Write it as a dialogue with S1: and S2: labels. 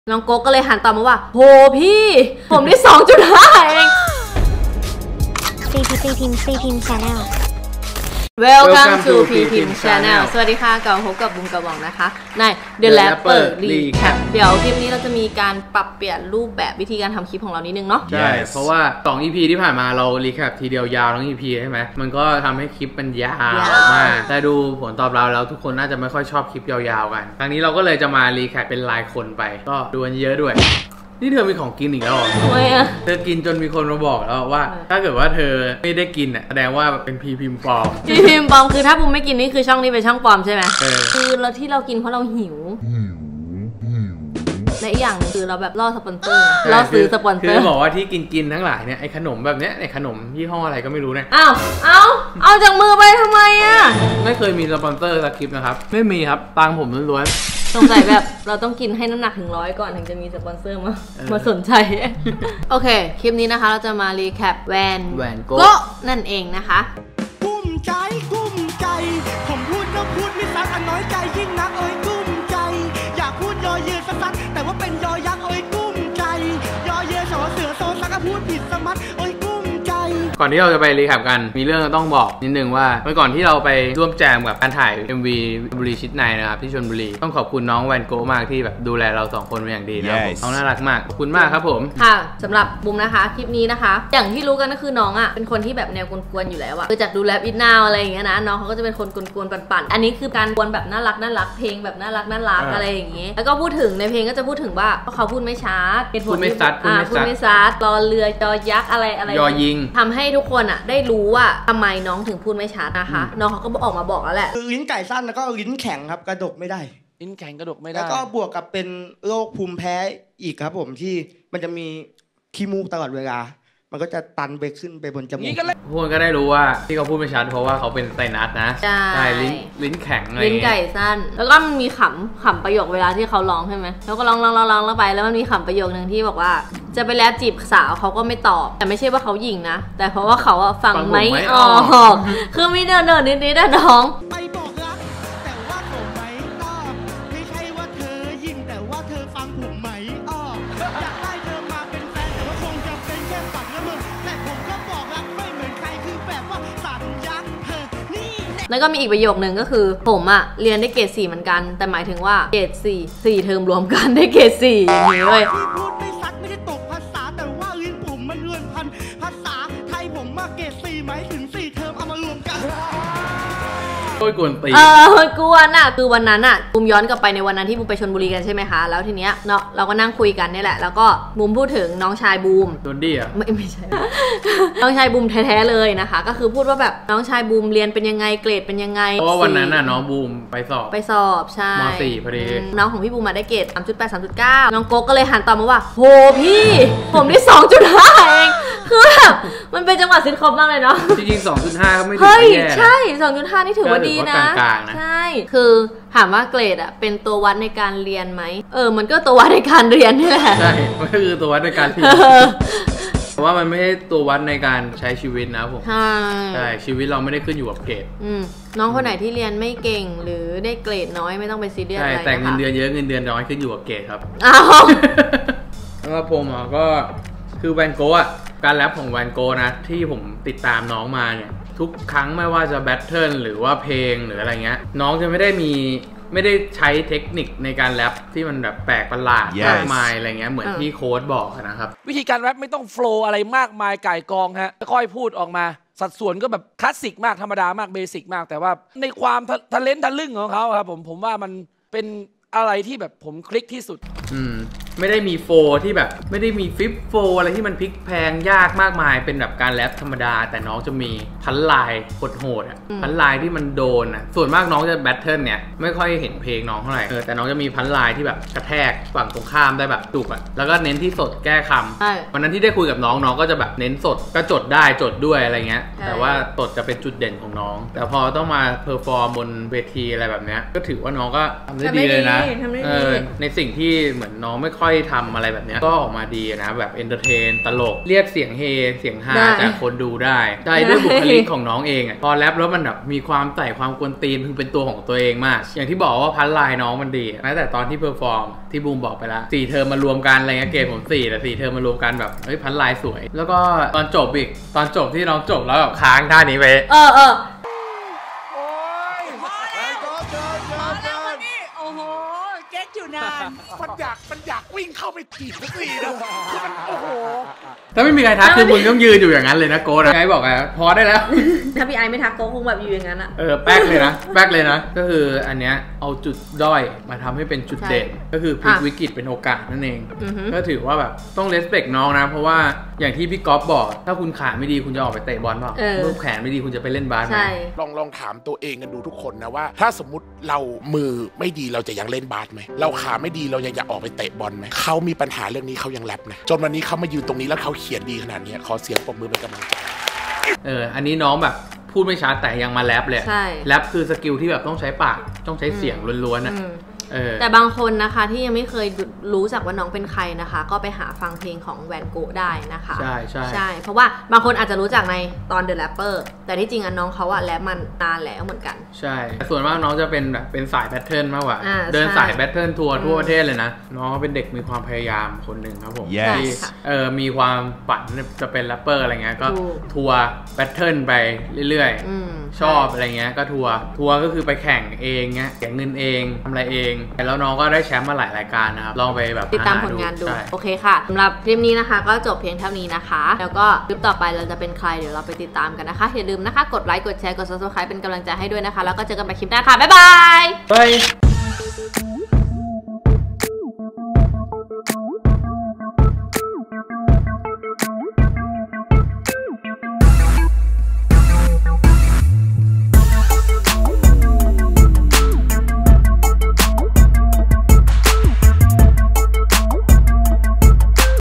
S1: น้องโก๊กก็เลยหันตอบมาว่าโหพี่ผมได้ 2.5 เอง
S2: CPIM Channel
S1: Welcome to CPIM Channel สวัสดีค่ะกลับมาพบกับบุ้มกระบอกนะคะใน The Rapper Recap เดี๋ยวคลิปนี้เราจะมีการปรับเปลี่ยนรูปแบบวิธีการทำคลิปของเรานิดนึงเนาะ
S3: ใช่เพราะว่า2 EP ที่ผ่านมาเรา Recap ทีเดียวยาวทั้ง EP ใช่ไหมมันก็ทำให้คลิปมันยาวมากแต่ดูผลตอบรับแล้วทุกคนน่าจะไม่ค่อยชอบคลิปยาวๆกันครั้งนี้เราก็เลยจะมา Recap เป็นรายคนไปก็ดูกันเยอะด้วยนี่เธอมีของกินอีกแล้วเหรอ
S1: ทำไมอะ
S3: เธอกินจนมีคนมาบอกแล้วว่าถ้าเกิดว่าเธอไม่ได้กินอ่ะแสดงว่าเป็นพีพิมพ์ปลอม
S1: พีพิมพ์ปลอมคือถ้าบุ้มไม่กินนี่คือช่องนี้เป็นช่องปลอมใช่ไหมคือเราที่เรากินเพราะเราหิวและอีกอย่างคือเราแบบล่อสปอนเซอร์ล่อซื้อสปอนเซอร์
S3: คือบอกว่าที่กินทั้งหลายเนี่ยไอ้ขนมแบบเนี้ยไอ้ขนมยี่ห้ออะไรก็ไม่รู้เนี่ย
S1: เอาจากมือไปทำไมอ่ะ
S3: ไม่เคยมีสปอนเซอร์สักคลิปนะครับไม่มีครับตังผมล้วน
S1: สงสัยแบบเราต้องกินให้น้ำหนักถึง100ก่อนถึงจะมีสปอนเซอร์มาสนใจโอเคคลิปนี้นะคะเราจะมารีแคปแวนโก้นั่นเองนะคะ
S4: กุ้มใจผมพูดก็พูดไม่ซักอันน้อยใจยิ่งนักกุ้มใจอยากพูดยอเยสักแต่ว่าเป็นยอยักษ์กุ้มใจยอเยสอเสือโซซักพูดผิดสมัดกุ้มใจ
S3: ก่อนที่เราจะไปรีแคปกันมีเรื่องต้องบอกนิดนึงว่าเมื่อก่อนที่เราไปร่วมแจมกับการถ่าย MV บุรีชิดในนะครับที่ชลบุรีต้องขอบคุณน้องแวนโก้มากที่แบบดูแลเรา2คนเป็นอย่างดีนะครับน้องน่ารักมากขอบคุณมากครับผม
S1: ค่ะสำหรับบุ้มนะคะคลิปนี้นะคะอย่างที่รู้กันก็คือน้องอ่ะเป็นคนที่แบบแนวกวนๆอยู่แล้วอ่ะคือจากดูแลอินนาวอะไรอย่างเงี้ยนะน้องเขาก็จะเป็นคนกวนๆปั่นๆอันนี้คือการกวนแบบน่ารักเพลงแบบน่ารักอะไรอย่างเงี้ยแล้วก็พูดถึงในเพลงก็จะพูดถึงว่าเขาพูดไม่ชัด
S3: พูดไม่ซั
S1: ดรอเรือจอยักษ์อะไร
S3: ยอยิง
S1: ทำให้ทุกคนอ่ะได้รู้ว่าทำไมน้องถึงพูดไม่ชัดนะคะน้องเขาก็ออกมาบอกแล้วแหละ
S4: ลิ้นไก่สั้นแล้วก็ลิ้นแข็งครับกระดกไม่ได้
S3: ลิ้นแข็งกระดกไม่ได้
S4: แล้วก็บวกกับเป็นโรคภูมิแพ้อีกครับผมที่มันจะมีขี้มูกตลอดเวลามันก็จะตันไปขึ้นไปบนจมูก
S3: พวกก็ได้รู้ว่าที่เขาพูดไม่ชัดเพราะว่าเขาเป็นไซนัสนะใช่ลิ้นแข็งอะไร
S1: ลิ้นไก่สั้นแล้วก็มันมีขำประโยคเวลาที่เขาร้องใช่ไหมแล้วก็ร้องแล้วไปแล้วมันมีขำประโยคนึงที่บอกว่าจะไปแลบจีบสาวเขาก็ไม่ตอบแต่ไม่ใช่ว่าเขาหยิ่งนะแต่เพราะว่าเขาฟังไม่ออกคือมีเดินนิดๆน้อง
S4: ไปบอกรักแต่ว่าผมไม่ตอบไม่ใช่ว่าเธอหยิ่งแต่ว่าเธอฟังผมไม่ออกอยากได้เธอมาเป็นแฟนแต่ว่าคงจะเป็นแค่ฝันละเมอแต่ผมก็บอกรักไม่เหมือนใครคือแบบว่าสัญญาเธอนี่
S1: แล้วก็มีอีกประโยคนึงก็คือผมเรียนได้เกรด 4เหมือนกันแต่หมายถึงว่าเกรด4เทอมรวมกันได้เกรด 4อย่างนี้เลย
S4: พูดไม่ซัดไม่ได้ตกภาษาแต่ว่าลิ้นผมมันเรือนพันภาษาไทยผมมาเกรด 4หมายถึง4เทอมเอามารวมกัน
S3: โอ้ยกวนตี
S1: กวนอ่ะคือวันนั้นอ่ะบุมย้อนกลับไปในวันนั้นที่บุมไปชลบุรีกันใช่ไหมคะแล้วทีเนี้ยเนาะเราก็นั่งคุยกันนี่แหละแล้วก็บุมพูดถึงน้องชายบูม
S3: โดนดี้อ่ะ
S1: ไม่ใช่ น้องชายบูมแท้ๆเลยนะคะก็คือพูดว่าแบบน้องชายบูมเรียนเป็นยังไงเกรดเป็นยังไง
S3: เพราะวันนั้นน่ะน้องบูมไปสอบ
S1: ใช่
S3: ม.4 พอดี
S1: น้องของพี่บูมมาได้เกรด 3.8 3.9 น้องโก๊กก็เลยหันตอบมาว่าโหพี่ผมได้ 2.5 เองคือแบบมันเป็นจังหวะซิทคอมมากเลยเนาะ
S3: จริงๆ 2.5 ก็ไม่ถือ
S1: ว่าแย่ใช่ 2.5 นี่ถือว่าดีนะใช่คือถามว่าเกรดเป็นตัววัดในการเรียนไหมมันก็ตัววัดในการเรียนนี่แหละ
S3: ใช่มันก็คือตัววัดในการเรียนแต่ว่ามันไม่ใช่ตัววัดในการใช้ชีวิตนะผมใช่ชีวิตเราไม่ได้ขึ้นอยู่กับเกรด
S1: น้องคนไหนที่เรียนไม่เก่งหรือได้เกรดน้อยไม่ต้องไปซีเรียสอะไร
S3: แต่เงินเดือนเยอะเงินเดือนน้อยขึ้นอยู่กับเกรดครับแล้วผมก็คือแวนโก้การแรปของแวนโก้นะที่ผมติดตามน้องมาเนี่ยทุกครั้งไม่ว่าจะแบทเทิลหรือว่าเพลงหรืออะไรเงี้ยน้องจะไม่ได้ใช้เทคนิคในการแรปที่มันแบบแปลกประหลาดมากมายอะไรเงี้ยเหมือนที่โค้ดบอกนะครับ
S5: วิธีการแรปไม่ต้องโฟล์อะไรมากมายไก่กองฮะค่อยพูดออกมาสัดส่วนก็แบบคลาสสิกมากธรรมดามากเบสิกมากแต่ว่าในความทะเลนทะลึ่งของเขาครับผมว่ามันเป็นอะไรที่แบบผมคลิกที่สุด
S3: ไม่ได้มีโฟที่แบบไม่ได้มีฟิปโฟอะไรที่มันพลิกแพงยากมากมายเป็นแบบการแรปธรรมดาแต่น้องจะมีพันลายโหดพันลายที่มันโดนส่วนมากน้องจะแบทเทิลเนี่ยไม่ค่อยเห็นเพลงน้องเท่าไหร่แต่น้องจะมีพันลายที่แบบกระแทกฝั่งตรงข้ามได้แบบจุกแล้วก็เน้นที่สดแก้คำวันนั้นที่ได้คุยกับน้องก็จะแบบเน้นสดก็จดได้จดด้วยอะไรเงี้ยแต่ว่าสดจะเป็นจุดเด่นของน้องแต่พอต้องมาเพอร์ฟอร์มบนเวทีอะไรแบบเนี้ยก็ถือว่าน้องก็ทำได้ดีเลยนะในสิ่งที่เหมือนน้องไม่ค่อยทำอะไรแบบเนี้ยก็ออกมาดีนะแบบเอนเตอร์เทนตลกเรียกเสียงเฮเสียงฮาจากคนดูได้ใช่ด้วยบุคลิกของน้องเองอ่ะพอแรปแล้วมันแบบมีความใส่ความกวนตีนคือเป็นตัวของตัวเองมากอย่างที่บอกว่าพันลายน้องมันดีแม้แต่ตอนที่เพอร์ฟอร์มที่บูมบอกไปแล้ว4 เทอมมารวมกันอะไรเงี้ยเกรดผม4แต่4 เทอมมารวมกันแบบเฮ้ยพันลายสวยแล้วก็ตอนจบอีกตอนจบที่น้องจบแล้วแบบค้างท่านี้ไป
S2: โอ้โหเก๊กอยู่นานมันอยากวิ่งเข้าไปถีบสักทีนะคือมันโอ้โห
S3: ถ้าไม่มีใครทักคือมึงต้องยืนอยู่อย่างนั้นเลยนะโก้นะไงบอกไงพอได้แล้ว
S1: ถ้าพี่ไอไม่ทักโก้คงแบบอยู่อย่างนั้นอะ
S3: แป๊กเลยนะแป๊กเลยนะก็คืออันเนี้ยเอาจุดด้อยมาทำให้เป็นจุดเด่นก็คือพลิกวิกฤตเป็นโอกาสนั่นเองก็ถือว่าแบบต้องเลสเปคน้องนะเพราะว่าอย่างที่พี่ก๊อฟบอกถ้าคุณขาไม่ดีคุณจะออกไปเตะบอลเปล่ารูปแขนไม่ดีคุณจะไปเล่นบาสไหม
S2: ลองถามตัวเองกันดูทุกคนนะว่าถ้าสมมติเรามือไม่ดีเราจะยังเล่นบาสไหมเราขาไม่ดีเรายังอยากออกไปเตะบอลไหมเขามีปัญหาเรื่องนี้เขายังแรปนะจนวันนี้เขามายืนตรงนี้แล้วเขาเขียนดีขนาดนี้ขอเสียงปรบมือเป็นกำลังใจ
S3: อันนี้น้องแบบพูดไม่ชัดแต่ยังมาแรปเลยแรปคือสกิลที่แบบต้องใช้ปากต้องใช้เสียงล้วนๆนะ
S1: แต่บางคนนะคะที่ยังไม่เคยรู้จักว่าน้องเป็นใครนะคะก็ไปหาฟังเพลงของแวนโกะได้นะคะใช่เพราะว่าบางคนอาจจะรู้จักในตอน The Rapper แต่ที่จริงน้องเขาอะแรปมันนานแล้วเหมือนกัน
S3: ใช่ส่วนมากน้องจะเป็นแบบเป็นสายแพทเทิร์นมากกว่าเดินสายแพทเทิร์นทัวร์ทั่วประเทศเลยนะน้องเป็นเด็กมีความพยายามคนหนึ่งครับผมที่มีความฝันจะเป็นแรปเปอร์อะไรเงี้ยก็ทัวร์แพทเทิร์นไปเรื่อยๆชอบอะไรเงี้ยก็ทัวร์ก็คือไปแข่งเองเงี้ยเก็บเงินเองทำอะไรเองแล้วน้องก็ได้แชมป์มาหลายรายการนะครับลองไปแบบ
S1: ติดตามผลงานดูโอเคค่ะสำหรับคลิปนี้นะคะก็จบเพียงเท่านี้นะคะแล้วก็คลิปต่อไปเราจะเป็นใครเดี๋ยวเราไปติดตามกันนะคะอย่าลืมนะคะกดไลค์กดแชร์กด Subscribe เป็นกำลังใจให้ด้วยนะคะแล้วก็เจอกันใหม่คลิปหน้าค่ะบ๊ายบาย